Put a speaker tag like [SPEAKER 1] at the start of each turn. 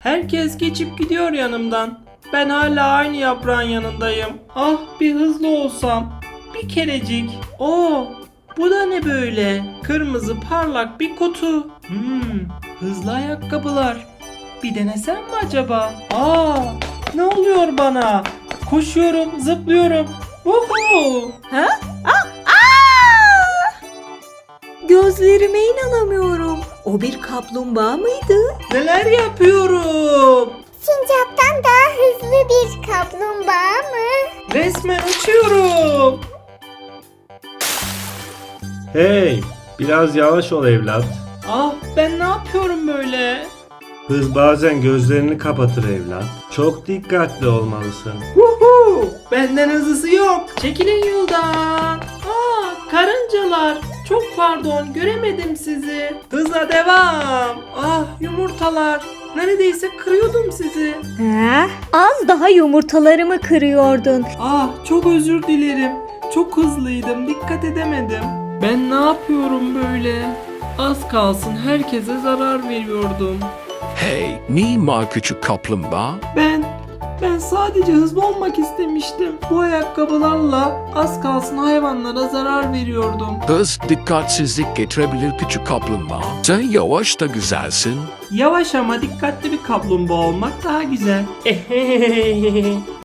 [SPEAKER 1] Herkes geçip gidiyor yanımdan. Ben hala aynı yaprağın yanındayım. Ah bir hızlı olsam. Bir kerecik. Oo, bu da ne böyle? Kırmızı parlak bir kutu. Hızlı ayakkabılar. Bir denesem mi acaba? Aa, ne oluyor bana? Koşuyorum, zıplıyorum. Woohoo!
[SPEAKER 2] Ha? Aa! Gözlerime inanamıyorum. O bir kaplumbağa mıydı?
[SPEAKER 1] Neler yapıyorum?
[SPEAKER 3] Sincaptan daha hızlı bir kaplumbağa mı?
[SPEAKER 1] Resmen uçuyorum.
[SPEAKER 4] Hey, biraz yavaş ol evlat.
[SPEAKER 1] Ah, ben ne yapıyorum böyle?
[SPEAKER 4] Hız bazen gözlerini kapatır evlat. Çok dikkatli olmalısın.
[SPEAKER 1] Woohoo! Benden hızlısı yok. Çekilin yoldan. Aa, karıncalar. Çok pardon, göremedim sizi. Hıza devam. Ah, yumurtalar. Neredeyse kırıyordum sizi.
[SPEAKER 2] Ha? Az daha yumurtalarımı kırıyordun.
[SPEAKER 1] Ah, çok özür dilerim. Çok hızlıydım, dikkat edemedim. Ben ne yapıyorum böyle? Az kalsın herkese zarar veriyordum.
[SPEAKER 5] Hey, Nima küçük kaplumbağa.
[SPEAKER 1] Ben sadece hızlı olmak istemiştim. Bu ayakkabılarla az kalsın hayvanlara zarar veriyordum.
[SPEAKER 5] Hız dikkatsizlik getirebilir küçük kaplumbağa. Sen yavaş da güzelsin.
[SPEAKER 1] Yavaş ama dikkatli bir kaplumbağa olmak daha güzel.